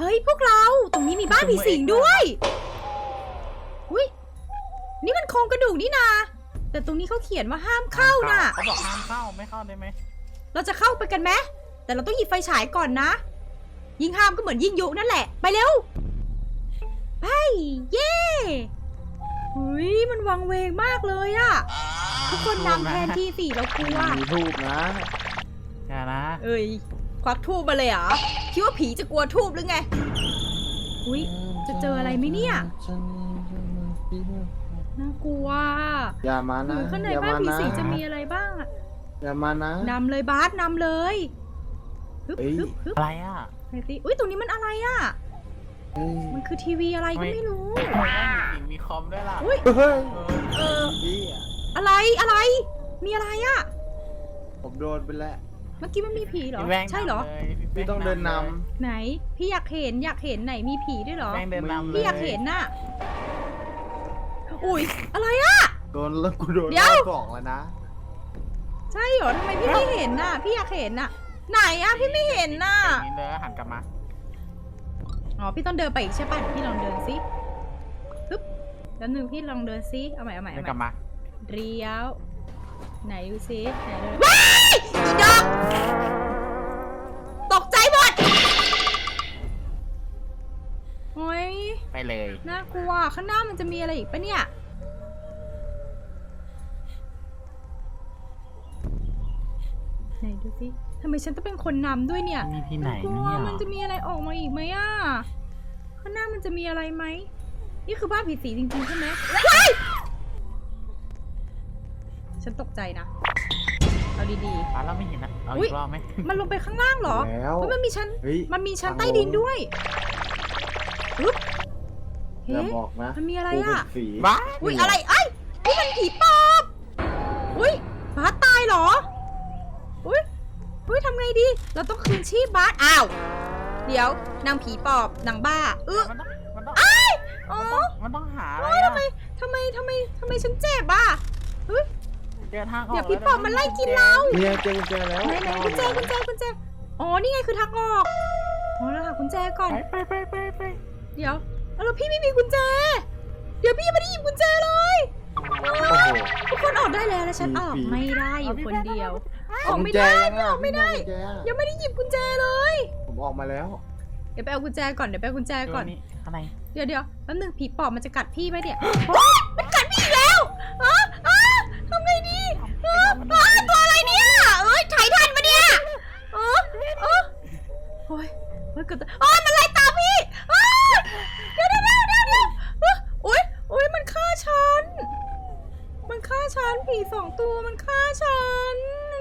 เฮ้ยพวกเราตรงนี้มีบ้านผีสิงด้วยอุ้ยนี่มันโครงกระดูกนี่นาแต่ตรงนี้เขาเขียนว่าห้ามเข้าน่ะเขาบอกห้ามเข้าไม่เข้าได้ไหมเราจะเข้าไปกันไหมแต่เราต้องหยิบไฟฉายก่อนนะยิ่งห้ามก็เหมือนยิ่งยุนั่นแหละไปเร็วไปเย้หุยมันวังเวงมากเลยอะทุกคนนำแทนที่สิเรากลัวมีทูบนะอย่านะเอ้ยควักทูบมาเลยเหรอคิดว่าผีจะกลัวทูบหรือไงอุ้ยจะเจออะไรไหมเนี่ยน่ากลัวอย่ามาหรืนะอข้างในอย่าบ้านมาผีนะสิงจะมีอะไรบ้างอะอย่ามานะนำเลยบาสนำเลยฮึบเฮ้ยฮึบฮึบอะไรอ่ะไหนสิอุ้ยตรงนี้มันอะไรอะเฮ้ยมันคือทีวีอะไรก็ไม่รู้ทำไมต้องมีคอมด้วยล่ะอุ้ยเฮ้ยเออพี่อะอะไรมีอะไรอะผมโดนไปแล้วเมื่อกี้มันมีผีเหรอพี่แป้งใช่เหรอนำลยพี่ต้องเดินนไหนพี่อยากเห็นไหนมีผีด้วยเหรอแป้งเดินนำเลยพี่อยากเห็นน่ะอุ้ยอะไรอะำโดนแล้วกูโดนเดี๋ยวรอบสองแล้วนะใช่เหรอทำไมพี่ไม่เห็นน่ะพี่อยากเห็นน่ะไหนอะพี่ไม่เห็นน่ะอย่างนี้เลยหันกลับมาอ๋อพี่ต้องเดินไปอีกใช่ป่ะเดี๋ยวพี่ลองเดินซิปึ๊บแล้วหนึ่งพี่ลองเดินซิเอาใหม่เดินกลับมาเรียวไหนดูซิไหนดูว้ายอีดอกตกใจหมดโอ้ยไปเลยน่ากลัวข้างหน้ามันจะมีอะไรอีกปะเนี่ยไหนดูซิทำไมฉันต้องเป็นคนนำด้วยเนี่ยมีที่ไหนกลัเนี่วย มันจะมีอะไรออกมาอีกไหมอ่ะข้างหน้ามันจะมีอะไรไหมนี่คือบ้านผีสิงจริงๆใช่ไหมว้ายฉันตกใจนะเอาดีร้านเราไม่เห็นนะเอาอุ๊อียกรอบไหมๆมันลงไปข้างล่างเหรอแล้วเฮ้ยมันมีชั้นเฮ้ยมันมีชั้นใต้ดินด้วยปึ๊บอเฮ้ย่าบอกนะมันมีอะไรกูเป็นอ่ะฝีบ้าอุ้ยอะไรไอ้ยนี่มันผีปอบอุ้ยบาสตายเหรออุ้ยทำไงดี เราต้องคืนชีพบาสอ้าวเดี๋ยวนางผีปอบนางบ้ามันต้องอ๋อมันต้องหาอะไรทำอะไมฉันเจ็บอ่ะเฮ้ยเจอทางออกเดี๋ยวพี่ปอบมันไล่กินเราเนี่ยเจอกุญแจแล้วไหนกุญแจอ๋อนี่ไงคือทางออกอ๋อแล้วหากุญแจก่อนไปเดี๋ยวแล้วพี่ไม่มีกุญแจเดี๋ยวพี่ยังไม่ได้หยิบกุญแจเลยโอ้โหทุกคนออกได้แล้วฉันออกผีไม่ได้อยู่คนเดียวอเอาอกกุญไม่แจได้ยังอ่ะไม่ได้พี่เอากุญแจอะยังไม่ได้หยิบกุญแจเลยผมออกมาแล้วเดี๋ยวไปเอากุญแจก่อนเดี๋ยวไปเอากุญแจก่อนนี่อะไรเดี๋ยวแป๊บนึงผีปอบมันจะกัดพี่ไหมเนี่ยมันกัดพี่อีกแล้วทำไงดีตัวอะไรเนี่ยเอ้ยไถ่ทันปะเนี่ยโอ้ยเกิดมันไล่ตามพี่เดี๋ยวโอ้ยมันฆ่าฉันผี2 ตัวมันฆ่าฉัน